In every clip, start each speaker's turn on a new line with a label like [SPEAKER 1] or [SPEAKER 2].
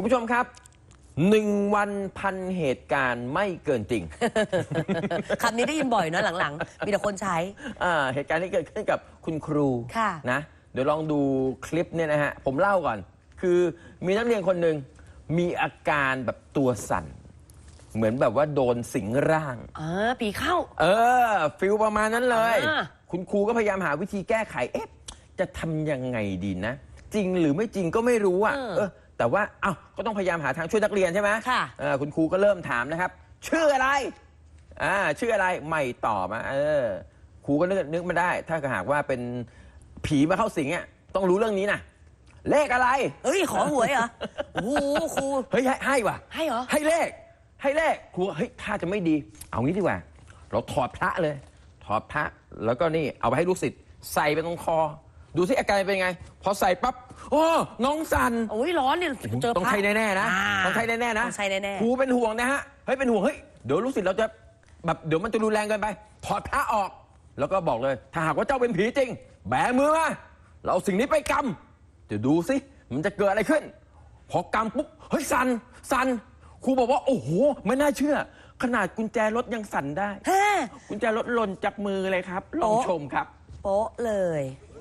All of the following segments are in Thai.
[SPEAKER 1] ผู้ชมครับ1 วันพันเหตุการณ์ไม่เกินจริง
[SPEAKER 2] คำนี้ได้ยินบ่อยเนอะหลังๆมีแต่คนใช้
[SPEAKER 1] เหตุการณ์ที่เกิดขึ้นกับคุณครูนะเดี๋ยวลองดูคลิปเนี่ยนะฮะผมเล่าก่อนคือมีนักเรียนคนหนึ่งมีอาการแบบตัวสั่นเหมือนแบบว่าโดนสิงร่าง
[SPEAKER 2] ผีเข้า
[SPEAKER 1] ฟิลประมาณนั้นเลยคุณครูก็พยายามหาวิธีแก้ไขจะทำยังไงดีนะจริงหรือไม่จริงก็ไม่รู้แต่ว่าก็ต้องพยายามหาทางช่วยนักเรียนใช่ไหมคุณครูก็เริ่มถามนะครับชื่ออะไรชื่ออะไรไม่ตอบครูก็นึกมาได้ถ้าหากว่าเป็นผีมาเข้าสิงต้องรู้เรื่องนี้นะเลขอะไร
[SPEAKER 2] ขอหวยเหรอโอ้โหครู
[SPEAKER 1] ให้ว่ะ
[SPEAKER 2] ให้เหรอ
[SPEAKER 1] ให้เลขครูถ้าจะไม่ดีเอางี้ดีกว่าเราถอดพระเลยถอดพระแล้วก็นี่เอาไปให้ลูกศิษย์ใส่ไปตรงคอดูสิอาการเป็นไงพอใส่ปั๊บน้องสั่น
[SPEAKER 2] ร้อนเนี่ย
[SPEAKER 1] เจอต้องใช้แน่ๆนะต้องใช้แน่ๆนะครูเป็นห่วงนะฮะเป็นห่วงเดี๋ยวลูกศิษย์เราจะแบบเดี๋ยวมันจะรุนแรงเกินไปถอดพระออกแล้วก็บอกเลยถ้าหากว่าเจ้าเป็นผีจริงแบมือมาเราสิ่งนี้ไปกำเดี๋ยวดูสิมันจะเกิดอะไรขึ้นพอกำปุ๊บสั่นครูบอกว่าโอ้โหไม่น่าเชื่อขนาดกุญแจรถยังสั่นได้กุญแจรถหล่นจากมือเลยครับลองชมครับ
[SPEAKER 2] โป๊ะเลย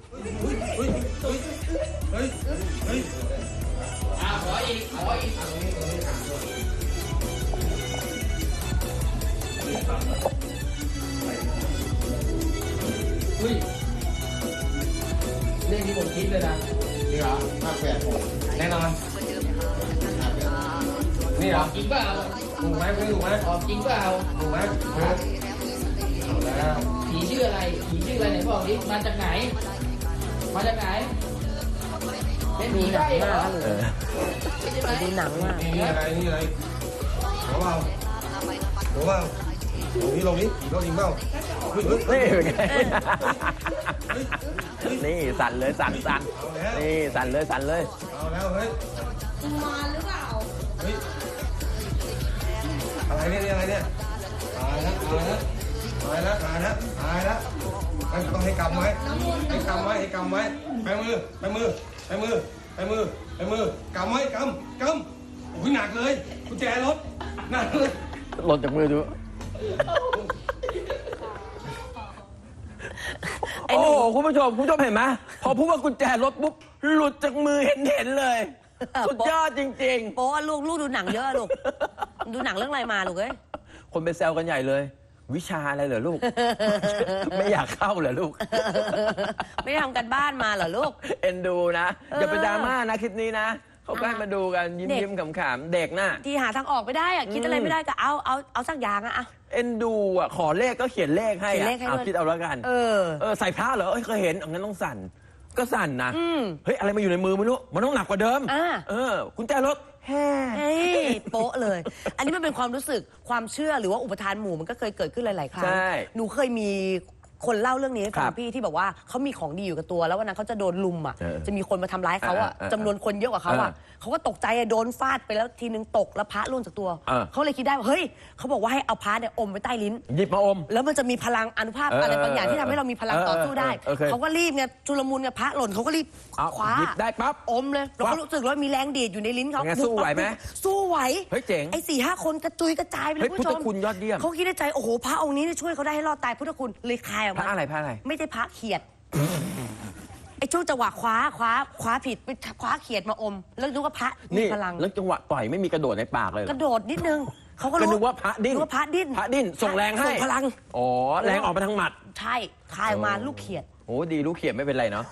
[SPEAKER 1] ขออีกเรื่องที่ผมคิดเลยนะ
[SPEAKER 3] นี่เหรอ
[SPEAKER 1] แน่นอนนี่เหรอ
[SPEAKER 3] จริงเปล่า
[SPEAKER 1] ถูกไหม
[SPEAKER 3] จริงเปล่า
[SPEAKER 1] ถูกไหม
[SPEAKER 3] เอาแล้วผีชื่ออะไรไหนบอกดิมาจากไหนเป็นผีได้เหรอ
[SPEAKER 2] ดูหนังมาก
[SPEAKER 4] นี่อะไรหัวเบาลงนี้ผีเข้าจริงเปล่า
[SPEAKER 1] นี่เป็นไงนี่สั่นเลยสั่นนี่สั่นเลย
[SPEAKER 4] เอาแล้วเฮ้ย
[SPEAKER 5] มาหรือเปล่า
[SPEAKER 4] เฮ้ยอะไรเนี่ยตายแล้วต้องให้กำไว้กำไว้ไปมือกำไว้กำโอ้ยหนักเลยกุญแจรถหนักเลย
[SPEAKER 1] หล่นจากมือดูโอ้คุณผู้ชมเห็นไหมพอพูดว่ากุญแจรถปุ๊บหลุดจากมือเห็นเลยสุดยอดจริงๆ
[SPEAKER 2] โป๊ะลูกดูหนังเยอะลูกดูหนังเรื่องอะไรมาลูก
[SPEAKER 1] คนไปแซวกันใหญ่เลยวิชาอะไรเหรอลูก ไม่อยากเข้าเหรอลูก
[SPEAKER 2] ไม่ทำกันบ้านมาเหรอลูก
[SPEAKER 1] เอ็นดูนะอย่าไปดราม่านะคลิปนี้นะเขาใกล้มาดูกันยิ้มขำๆเด็กน่ะ
[SPEAKER 2] ที่หาทางออกไม่ได้คิดอะไรไม่ได้ก็เอาสักอย่าง
[SPEAKER 1] เอ็นดูขอเลขก็เขียนเลขให้คิดเอาแล้วกันใส่พระเหรอเคยเห็นงั้นต้องสั่นก็สั่นนะอะไรมาอยู่ในมือไม่รู้มันต้องหนักกว่าเดิมกุญแจรถ
[SPEAKER 2] โป๊ะเลยอันนี้มันเป็นความรู้สึกความเชื่อหรือว่าอุปทานหมู่มันก็เคยเกิดขึ้นหลายๆครั้งหนูเคยมีคนเล่าเรื่องนี้ให้ฟังพี่ที่บอกว่าเขามีของดีอยู่กับตัวแล้ววันนั้นเขาจะโดนลุมจะมีคนมาทำร้ายเขาจำนวนคนเยอะกว่าเขาเขาก็ตกใจโดนฟาดไปแล้วทีนึงตกแล้วพระล่วงจากตัวเขาเลยคิดได้ว่าเฮ้ยเขาบอกว่าให้เอาพระเนี่ยอมไว้ใต้ลิ้น
[SPEAKER 1] หยิบมาอม
[SPEAKER 2] แล้วมันจะมีพลังอนุภาพอะไรบางอย่างที่ทำให้เรามีพลังต่อสู้ได้เขาก็รีบไงจุลมุนไงพระหล่นเขาก็รีบคว้า
[SPEAKER 1] หยิบได้ปั๊บ
[SPEAKER 2] อมเลยแล้วเขารู้สึกว่ามีแรงดีดอยู่ในลิ้นเขา
[SPEAKER 1] สู้ไหวไหม
[SPEAKER 2] สู้ไหว
[SPEAKER 1] เฮ้ยเจ๋ง
[SPEAKER 2] 4-5 คนกระจุยกระจายไปเลย
[SPEAKER 1] พุทธคุณยอดเยี่ยม
[SPEAKER 2] เขาคิดในใจโอ้โหพระองค์นี้ช่วยเขาได้ให้รอดตายพุทธคุณเลยคายออกมา
[SPEAKER 1] พระอะไร
[SPEAKER 2] ไม่ใช่พระเขียดช่วงจังหวะคว้าผิดไปคว้าเขียดมาอมแล้วดูว่าพระมีพลัง
[SPEAKER 1] แล้วจังหวะต่อยไม่มีกระโดดในปากเลย
[SPEAKER 2] กระโดดนิดนึงเขาก็
[SPEAKER 1] รู้ว่าพระดิ้นส่งแรงให้
[SPEAKER 2] ส่งพลัง
[SPEAKER 1] แรงออกมาทางหมัด
[SPEAKER 2] ใช่คายออกมาลูกเขียด
[SPEAKER 1] โอ้ดีลูกเขียดไม่เป็นไรเนาะ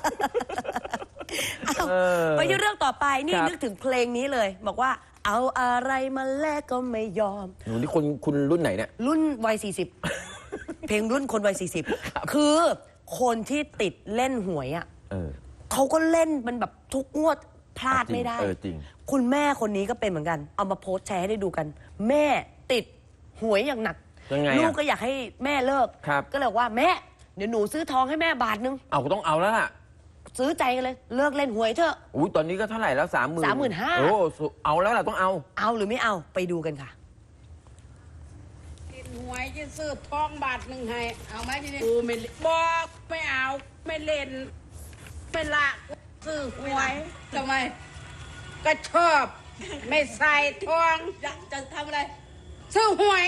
[SPEAKER 2] ไปที่เรื่องต่อไปนี่นึกถึงเพลงนี้เลยบอกว่าเอาอะไรมาแลกก็ไม่ยอม
[SPEAKER 1] หนูนี่คุณรุ่นไหนเนี่ย
[SPEAKER 2] รุ่นวัย40เพลงรุ่นคนวัย40คือคนที่ติดเล่นหวยเขาก็เล่นมันแบบทุกงวดพลาดไม่ได้คุณแม่คนนี้ก็เป็นเหมือนกันเอามาโพสต์แชร์ให้ได้ดูกันแม่ติดหวยอย่างหนักลูกก็อยากให้แม่เลิกก็เลยว่าแม่เดี๋ยวหนูซื้อทองให้แม่บาทนึง
[SPEAKER 1] ก็ต้องเอาแล้วล่ะ
[SPEAKER 2] ซื้อใจกันเลยเลิกเล่นหวยเถอะ
[SPEAKER 1] ตอนนี้ก็เท่าไหร่แล้ว
[SPEAKER 2] 35,000
[SPEAKER 1] โอ้เอาแล้วล่ะต้อง
[SPEAKER 2] เอาหรือไม่เอาไปดูกันค่ะ
[SPEAKER 5] หวยจะซื้อทองบาทนึงให้เอาไหมทีนี้กูไม่บอกไม่เอาไม่เล่นไม่ละซื้อหวยทำไมก็ชอบไม่ใส่ทอง
[SPEAKER 2] จะทำอะไร
[SPEAKER 5] ซื้อหวย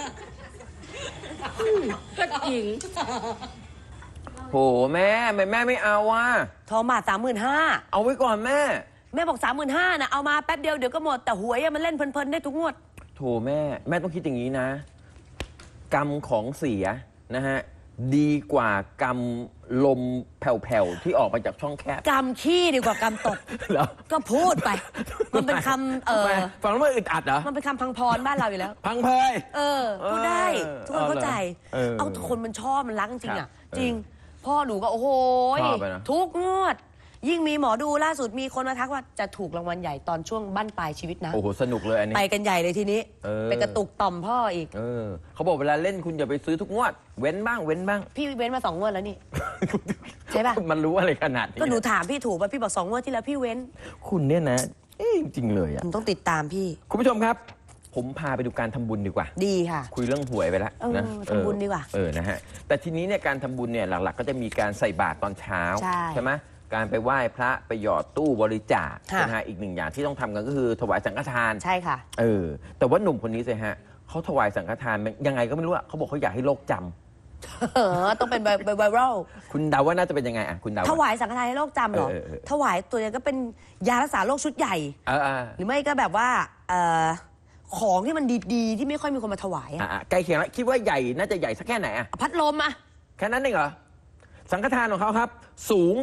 [SPEAKER 5] ก็จริง
[SPEAKER 1] โหแม่แม่ไม่เอาว่ะ
[SPEAKER 2] ทองบาท35,000
[SPEAKER 1] เอาไว้ก่อนแม่
[SPEAKER 2] แม่บอก35,000นะเอามาแป๊บเดียวเดี๋ยวก็หมดแต่หวยอะมันเล่นเพลินๆได้ทุกงวด
[SPEAKER 1] โถแม่ต้องคิดอย่างนี้นะ กรรมของเสียนะฮะดีกว่ากรรมลมแผ่วๆที่ออกมาจากช่องแคบ
[SPEAKER 2] กำขี้ดีกว่ากำตด
[SPEAKER 1] เหรอ
[SPEAKER 2] ก็พูดไป มันเป็นคำ
[SPEAKER 1] ฟังแล้วมันอึดอัดเหรอ
[SPEAKER 2] มันเป็นคำพังพรบ้านเราอยู่แล้ว
[SPEAKER 1] พังเพย
[SPEAKER 2] พูดได้ทุกคนเข้าใจ
[SPEAKER 1] เอา
[SPEAKER 2] คนมันชอบมันรักจริงๆอ่ะจริง พ่อหนูก็โอ้โห
[SPEAKER 1] ชอบไปนะ
[SPEAKER 2] ทุกงวด ยิ่งมีหมอดูล่าสุดมีคนมาทักว่าจะถูกรางวัลใหญ่ตอนช่วงบั้นปลายชีวิตนะ
[SPEAKER 1] โอ้โหสนุกเลยอันนี้
[SPEAKER 2] ไปกันใหญ่เลยทีนี้ ไปกระตุกต่อมพ่ออีก
[SPEAKER 1] เขาบอกเวลาเล่นคุณอย่าไปซื้อทุกงวด เว้นบ้าง
[SPEAKER 2] พี่เว้นมา2 งวดแล้วนี่ ใช่ป่ะ
[SPEAKER 1] มันรู้อะไรขนาดนี้
[SPEAKER 2] ก็หนูถามพี่ถูกป่ะพี่บอก2 งวดที่แล้วพี่เว้น
[SPEAKER 1] คุณเนี่ยนะจริงๆเลยอ่ะ
[SPEAKER 2] ผมต้องติดตามพี่
[SPEAKER 1] คุณผู้ชมครับ ผมพาไปดูการทำบุญดีกว่า
[SPEAKER 2] ดีค่ะ
[SPEAKER 1] คุยเรื่องหวยไปแล้วนะ
[SPEAKER 2] ทำบุญดีกว่า
[SPEAKER 1] นะฮะแต่ทีนี้เนี่ยการทำบุญเนี่ยหลักๆ ก็จะมีการใส่บาตรตอนเช้า
[SPEAKER 2] ใช่
[SPEAKER 1] ไหมการไปไหว้พระไปหยอดตู้บริจาค
[SPEAKER 2] ค่ะ
[SPEAKER 1] นะฮะอีกหนึ่งอย่างที่ต้องทำกันก็คือถวายสังฆทาน
[SPEAKER 2] ใช่ค่ะ
[SPEAKER 1] แต่ว่าหนุ่มคนนี้สิฮะเขาถวายสังฆทานยังไงก็ไม่รู้อะเขาบอกเขาอยากให้โลกจำ
[SPEAKER 2] ต้องเป็นไวรัล
[SPEAKER 1] คุณเดาว่าน่าจะเป็นยังไงอะคุณเดา
[SPEAKER 2] ถวายสังฆทานให้โรคจำเหรอ ถวายตัวนี้ก็เป็นยารักษาโรคชุดใหญ่ หรือไม่ก็แบบว่าของที่มันดีๆ ที่ไม่ค่อยมีคนมาถวายอะ
[SPEAKER 1] ใกล้เคียงแล้วคิดว่าใหญ่น่าจะใหญ่สักแค่ไหนอะ
[SPEAKER 2] พัดลมอะ
[SPEAKER 1] แค่นั้นเองเหรอสังฆทานของเขาครับ สูง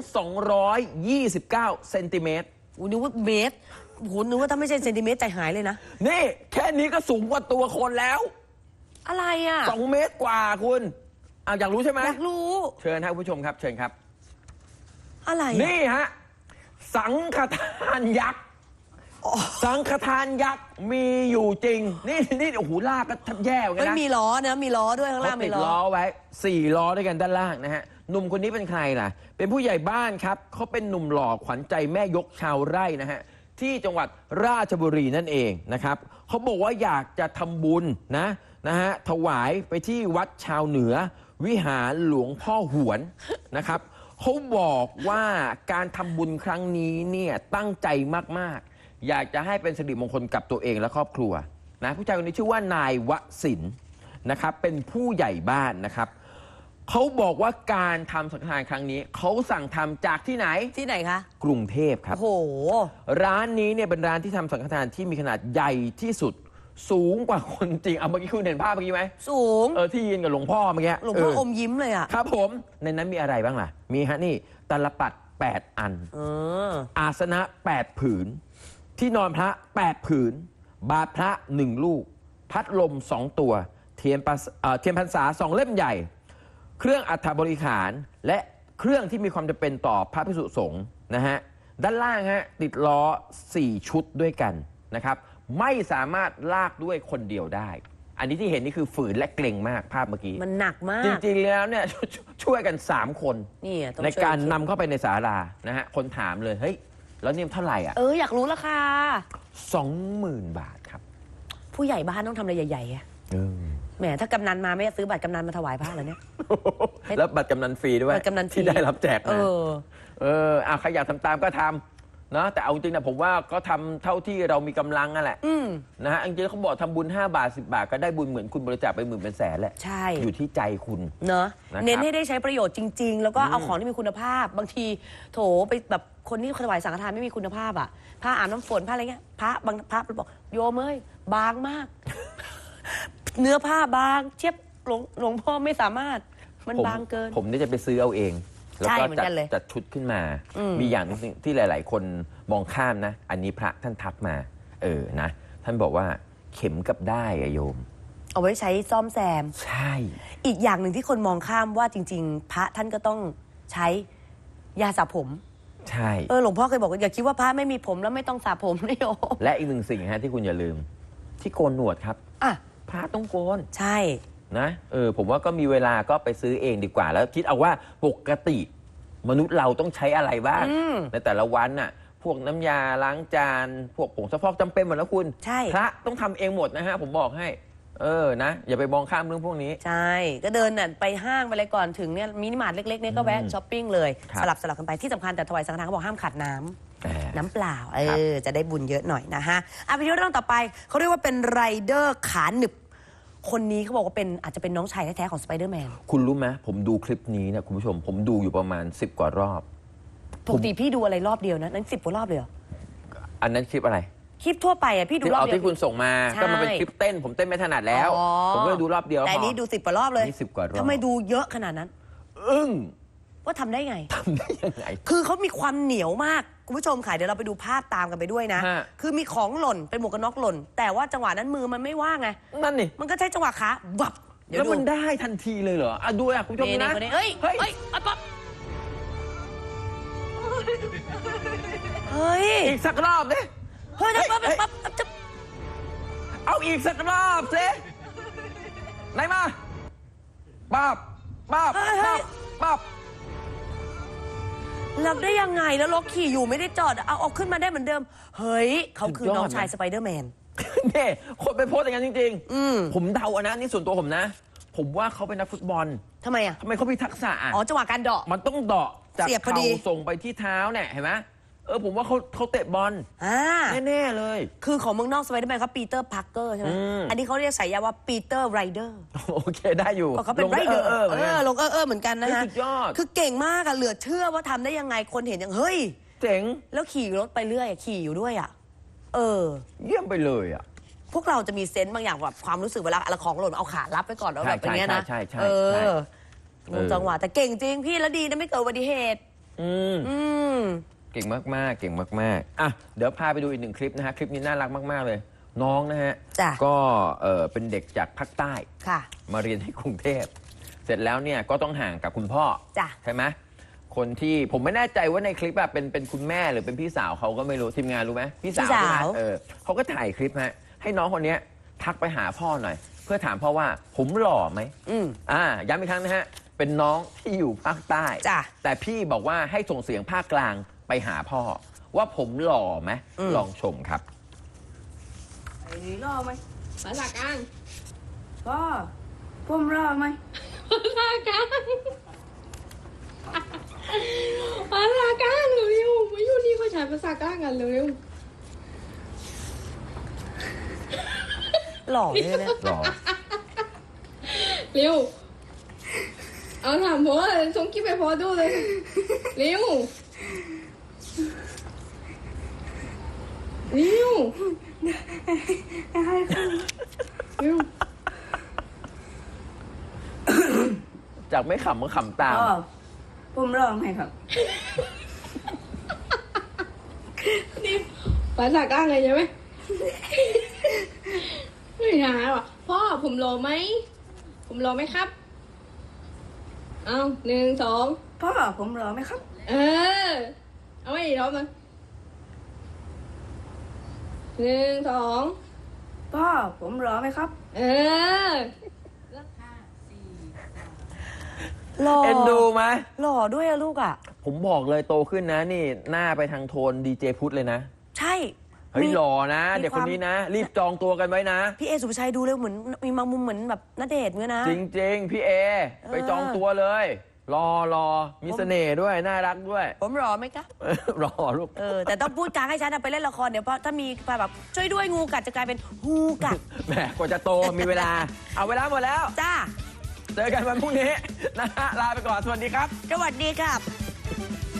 [SPEAKER 1] 229 เซนติเมตร
[SPEAKER 2] นึกว่าเมตรนึกว่าถ้าไม่ใช่เซนติเมตรใจหายเลยนะ
[SPEAKER 1] นี่แค่นี้ก็สูงกว่าตัวคนแล้ว
[SPEAKER 2] อะไรอะ
[SPEAKER 1] 2 เมตรกว่าคุณอยากรู้ใช่ไหม
[SPEAKER 2] อยากรู้
[SPEAKER 1] เชิญครับคุณผู้ชมครับ เชิญครับ
[SPEAKER 2] อะไรอะ
[SPEAKER 1] นี่ฮะสังฆทานยักษ์สังฆทานยักษ์มีอยู่จริง นี่โอ้โหลากก็แทบแย่เหมือนกัน
[SPEAKER 2] ไม่
[SPEAKER 1] นะ
[SPEAKER 2] มีล้อนะมีล้อด้วยข้าง
[SPEAKER 1] เขา
[SPEAKER 2] ล่าง
[SPEAKER 1] ติ
[SPEAKER 2] มี
[SPEAKER 1] ด
[SPEAKER 2] ล้
[SPEAKER 1] ล้
[SPEAKER 2] อ
[SPEAKER 1] อไว้ 4 ล้อด้วยกันด้านล่างนะฮะหนุ่มคนนี้เป็นใครล่ะ เป็นผู้ใหญ่บ้านครับเขาเป็นหนุ่มหล่อขวัญใจแม่ยกชาวไร่นะฮะที่จังหวัดราชบุรีนั่นเองนะครับเขาบอกว่าอยากจะทำบุญนะฮะถวายไปที่วัดชาวเหนือ วิหารหลวงพ่อหวนนะครับเขาบอกว่าการทำบุญครั้งนี้เนี่ยตั้งใจมากๆ อยากจะให้เป็นสิริมงคลกับตัวเองและครอบครัวนะผู้ชายคนนี้ชื่อว่านายวสินทร์นะครับเป็นผู้ใหญ่บ้านนะครับเขาบอกว่าการทำสังฆทานครั้งนี้เขาสั่งทำจากที่ไหน
[SPEAKER 2] ที่ไหนคะ
[SPEAKER 1] กรุงเทพครับ
[SPEAKER 2] โอ้โห
[SPEAKER 1] ร้านนี้เนี่ยเป็นร้านที่ทำสังฆทานที่มีขนาดใหญ่ที่สุดสูงกว่าคนจริงเอาเมื่อกี้คุณเห็นภาพเมื่อกี้ไหม
[SPEAKER 2] สูง
[SPEAKER 1] ที่ยืนกับหลวงพ่อเมื่อกี้
[SPEAKER 2] หลวงพ่ออมยิ้มเลยอะ
[SPEAKER 1] ครับผมในนั้นมีอะไรบ้างล่ะ มีฮะนี่ตลปัด8 อันอาสนะ8 ผืน ที่นอนพระ 8 ผืน บาตรพระ 1 ลูก พัดลม 2 ตัว เทียนพรรษา 2 เล่มใหญ่ เครื่องอัฐบริขารและเครื่องที่มีความจำเป็นต่อพระภิกษุสงฆ์นะฮะด้านล่างฮะติดล้อ 4 ชุดด้วยกันนะครับไม่สามารถลากด้วยคนเดียวได้ อันนี้ที่เห็นนี่คือฝืนและเกรงมากภาพเมื่อกี้
[SPEAKER 2] มันหนักมาก
[SPEAKER 1] จริงๆแล้วเนี่ยช่วยกัน 3 คน
[SPEAKER 2] นี่ต้อง
[SPEAKER 1] ใน
[SPEAKER 2] ช่วย
[SPEAKER 1] การนำเข้าไปในศาลานะฮะคนถามเลยเฮ้ยแล้วนี่เท่าไหร่อ่ะ
[SPEAKER 2] อยากรู้ราคา
[SPEAKER 1] 20,000 บาทครับ
[SPEAKER 2] ผู้ใหญ่บ้านต้องทำอะไรใหญ่ๆอะแหมถ้ากำนันมาไม่ซื้อบัตรกำนันมาถวายพระเหรอเนี่ย
[SPEAKER 1] แล้วบัตรกำนันฟรีด้วย
[SPEAKER 2] บัตรกำนันฟรี
[SPEAKER 1] ที่ได้รับแจกมาใครอยากทำตามก็ทำเนาะแต่เอาจริงนะผมว่าก็ทำเท่าที่เรามีกำลังนั่นแหละนะฮะจริงๆเขาบอกทำบุญ5 บาท 10 บาทก็ได้บุญเหมือนคุณบริจาคไปหมื่นเป็นแสนแหละ
[SPEAKER 2] ใช่
[SPEAKER 1] อยู่ที่ใจคุณ
[SPEAKER 2] เนอะ
[SPEAKER 1] นะครับ
[SPEAKER 2] เน้นให้ได้ใช้ประโยชน์จริง ๆ แล้วก็เอาของที่มีคุณภาพ บางทีโถไปแบบคนที่ถวายสังฆทานไม่มีคุณภาพอ่ะผ้าอาบน้ำฝนผ้าอะไรเงี้ยพระบางพระบอกโยมเอ้ยบางมาก เนื้อผ้าบางเทียบหลวงพ่อไม่สามารถมันบางเกิน
[SPEAKER 1] ผมนี่จะไปซื้อเอาเองแล้ว
[SPEAKER 2] ใช่
[SPEAKER 1] ก็
[SPEAKER 2] เหมือนกันเลย
[SPEAKER 1] จัดชุดขึ้นมา มีอย่างหนึงที่หลาย ๆ คนมองข้ามนะ อันนี้พระท่านทักมานะท่านบอกว่าเข็มกับได้อะโยม
[SPEAKER 2] เอาไว้ใช้ซ่อมแซม
[SPEAKER 1] ใช่
[SPEAKER 2] อีกอย่างหนึ่งที่คนมองข้ามว่าจริง ๆ พระท่านก็ต้องใช้ยาสระผม
[SPEAKER 1] ใช่
[SPEAKER 2] หลวงพ่อเคยบอกว่าอย่าคิดว่าพระไม่มีผมแล้วไม่ต้องสระผมนะโยม
[SPEAKER 1] และอีกหนึ่งสิ่งฮะที่คุณอย่าลืมที่โกนหนวดครับ
[SPEAKER 2] อ่ะ
[SPEAKER 1] พระต้องโกน
[SPEAKER 2] ใช่
[SPEAKER 1] นะผมว่าก็มีเวลาก็ไปซื้อเองดีกว่า แล้วคิดเอาว่าปกติมนุษย์เราต้องใช้อะไรบ้างในแต่ละวันน่ะพวกน้ำยาล้างจานพวกผงซักฟอกจำเป็นหมดแล้วคุณ
[SPEAKER 2] ใช่
[SPEAKER 1] พระต้องทำเองหมดนะฮะผมบอกให้นะอย่าไปมองข้ามเรื่องพวกนี้
[SPEAKER 2] ใช่ก็เดินน่ะไปห้างไปอะไรก่อนถึงเนี่ยมินิมาร์ทเล็กๆเนี่ยก็แวะช้อปปิ้งเลย
[SPEAKER 1] ครับ
[SPEAKER 2] สลับกันไปที่สำคัญแต่ถวายสังฆทานเขาบอกห้ามขาดน้น้ำเปล่า
[SPEAKER 1] ครับ
[SPEAKER 2] จะได้บุญเยอะหน่อยนะฮะไปที่เรื่องต่อไปเขาเรียกว่าเป็นไรเดอร์ขาหนึบคนนี้เขาบอกว่าเป็นอาจจะเป็นน้องชายแท้ๆของสไปเดอร์แมน
[SPEAKER 1] คุณรู้ไหมผมดูคลิปนี้เนี่ยคุณผู้ชมผมดูอยู่ประมาณ10 กว่ารอบ
[SPEAKER 2] ปกติพี่ดูอะไรรอบเดียวนะนั้น10 กว่ารอบเลยเหรอ
[SPEAKER 1] อันนั้นคลิปอะไร
[SPEAKER 2] คลิปทั่วไปอ่ะพี่ดู
[SPEAKER 1] ที่
[SPEAKER 2] รอบ
[SPEAKER 1] เอา
[SPEAKER 2] เดียว
[SPEAKER 1] ที่คุณส่งมา
[SPEAKER 2] ใช่
[SPEAKER 1] ก็มันเป็นคลิปเต้นผมเต้นไม่ถนัดแล้ว
[SPEAKER 2] อ๋อ
[SPEAKER 1] ผมก็เลยดูรอบเดียว
[SPEAKER 2] แต่อันนี้
[SPEAKER 1] พอ
[SPEAKER 2] ดู10 กว่ารอบเลย
[SPEAKER 1] นี่10 กว่ารอบ
[SPEAKER 2] ทำไมดูเยอะขนาดนั้น
[SPEAKER 1] อึ้ง
[SPEAKER 2] ว่าทำได้ไง
[SPEAKER 1] ทำได้ยังไง
[SPEAKER 2] คือเขามีความเหนียวมากคุณผู้ชมค่ะเดี๋ยวเราไปดูภาพตามกันไปด้วยนะ
[SPEAKER 1] ฮะ
[SPEAKER 2] คือมีของหล่นเป็นหมวกกันน็อกหล่น แต่ว่าจังหวะนั้นมือมันไม่ว่างไง
[SPEAKER 1] นั่นนี่
[SPEAKER 2] มันก็ใช้จังหวะขาบับเดี๋ยว
[SPEAKER 1] แล้ว
[SPEAKER 2] ดู
[SPEAKER 1] มันได้ทันทีเลยเหรอดูคุณผู้ชม
[SPEAKER 2] นี่
[SPEAKER 1] นะ
[SPEAKER 2] คนนี้เอ้ย
[SPEAKER 1] เฮ้ย
[SPEAKER 2] เฮ้ยเอาปั๊บเฮ้ย
[SPEAKER 1] อีกสักรอบดิ
[SPEAKER 2] เฮ้ยปั๊บปั๊บจะ
[SPEAKER 1] เอาอีกสักรอบสิไหนมาปั๊บปั๊บปั๊บปั๊บ
[SPEAKER 2] รับได้ยังไงแล้วรถขี่อยู่ไม่ได้จอดเอาขึ้นมาได้เหมือนเดิม เฮ้ยเขาคือน้องชายสไปเดอร์แมน
[SPEAKER 1] เนี่ยคนไปโพสต์อย่างนั้นจริง
[SPEAKER 2] ๆ
[SPEAKER 1] ผมเดาอะนะนี่ส่วนตัวผมนะ ผมว่าเขาเป็นนักฟุตบอล
[SPEAKER 2] ทำไมอ่ะ
[SPEAKER 1] ทำไมเขามีทักษะอะ
[SPEAKER 2] อ๋อจังหวะการเดาะ
[SPEAKER 1] มันต้องเดาะจาก
[SPEAKER 2] เสียบพอ
[SPEAKER 1] เข่า
[SPEAKER 2] ดี
[SPEAKER 1] ส่งไปที่เท้าเนี่ยเห็นไหมผมว่าเขาเตะบอล
[SPEAKER 2] อ่า
[SPEAKER 1] แน่ๆเลย
[SPEAKER 2] คือของเมืองนอกสไปเดอร์แมนเขาปีเตอร์พาร์เกอร์ใช่ไหม อันนี้เขาเรียกฉายาว่าปีเตอร์ไรเดอร์
[SPEAKER 1] โอเคได้อยู่
[SPEAKER 2] เขาเป็นไรเดอร์
[SPEAKER 1] เหมือนกัน
[SPEAKER 2] ลงเหมือนกันนะฮะ
[SPEAKER 1] สุดยอด
[SPEAKER 2] คือเก่งมากอะเหลือเชื่อว่าทำได้ยังไงคนเห็นอย่างเฮ้ย
[SPEAKER 1] เจ๋ง
[SPEAKER 2] แล้วขี่รถไปเรื่อยอะขี่อยู่ด้วยอะ
[SPEAKER 1] เยี่ยมไปเลยอ่ะ
[SPEAKER 2] พวกเราจะมีเซนส์บางอย่างแบบความรู้สึกเวลาอะไรของหล่นเอาขารับไปก่อนแล้วแบบอย่างเงี้ยนะ
[SPEAKER 1] ใช่
[SPEAKER 2] งงจังหวะแต่เก่งจริงพี่แล้วดีนะไม่เกิดอุบัติเหตุ
[SPEAKER 1] เก่งมากๆเก่งมากๆอ่ะเดี๋ยวพาไปดูอีก1 คลิปนะฮะคลิปนี้น่ารักมากๆเลย น้องนะฮะ
[SPEAKER 2] จ้ะ
[SPEAKER 1] ก็เป็นเด็กจากภาคใต้
[SPEAKER 2] ค่ะ
[SPEAKER 1] มาเรียนที่กรุงเทพเสร็จแล้วเนี่ยก็ต้องห่างกับคุณพ่อ
[SPEAKER 2] จ้ะ
[SPEAKER 1] ใช่ไหมคนที่ผมไม่แน่ใจว่าในคลิปแบบเป็นคุณแม่หรือเป็นพี่สาวเขาก็ไม่รู้ทีมงานรู้ไหมพี่สาวใช่ไหมเขาก็ถ่ายคลิปฮะให้น้องคนนี้ทักไปหาพ่อหน่อย เพื่อถามพ่อว่าผมหล่อไหมย้ำอีกครั้งนะฮะเป็นน้องที่อยู่ภาคใต้
[SPEAKER 2] จ้ะ
[SPEAKER 1] แต่พี่บอกว่าให้ส่งเสียงภาคกลางไปหาพ่อ ว่าผมหล่อไหมลองชมครับ
[SPEAKER 5] ไอ้นี่รอไหม
[SPEAKER 3] ภาษากลาง
[SPEAKER 5] พ่อผมรอไหม
[SPEAKER 3] ภาษากลางภาษากลางเร็วๆมาอยู่นี่เขาใช้ภาษากลางกันเร็ว
[SPEAKER 2] หล่อเลยนะ
[SPEAKER 1] หล่อ
[SPEAKER 3] เร็วเอาถามพ่อส่งคลิปไปพ่อดูเลยเร็วเร็วเร็ว
[SPEAKER 1] จากไม่ขำก็ขำตาม
[SPEAKER 5] พ่อผมรอไหมครับ
[SPEAKER 3] นี่ภาษากลางเลยใช่ไหมไม่หาว่ะพ่อผมรอไหมผมรอไหมครับเอา1 2
[SPEAKER 5] พ่อผมรอไหมครับ
[SPEAKER 3] เอาไว้อีกรอบนึง1 2
[SPEAKER 5] พ่อผมรอไหมครับ
[SPEAKER 2] หล่อ
[SPEAKER 1] เอ็นดูไหม
[SPEAKER 2] หล่อด้วยอะลูกอะ
[SPEAKER 1] ผมบอกเลยโตขึ้นนะนี่หน้าไปทางโทนดีเจพุทธเลยนะ
[SPEAKER 2] ใช่
[SPEAKER 1] เฮ้ยหล่อนะ
[SPEAKER 2] มี
[SPEAKER 1] เด็กคนนี้นะ
[SPEAKER 2] ความ
[SPEAKER 1] รีบจองตัวกันไว้นะ
[SPEAKER 2] พี่เอสุภาชัยดูเลยเหมือนมีบางมุมเหมือนแบบณเดชน์เหมือนกันนะ
[SPEAKER 1] จริง ๆ พี่เอ ไปจองตัวเลย รอมีเสน่ห์ด้วย น่ารักด้วย
[SPEAKER 2] ผมรอไหมคะ
[SPEAKER 1] รอลูก
[SPEAKER 2] แต่ต้องพูดกลางให้ชัดนะไปเล่นละครเดี๋ยวเพราะถ้ามีแบบช่วยด้วยงูกัดจะกลายเป็นฮูกัด
[SPEAKER 1] แหมกว่าจะโตมีเวลา เอาเวลาหมดแล้ว
[SPEAKER 2] จ้า
[SPEAKER 1] เจอกันวันพรุ่งนี้นะฮะลาไปก่อน สวัสดีครับ
[SPEAKER 2] สวัสดีครับ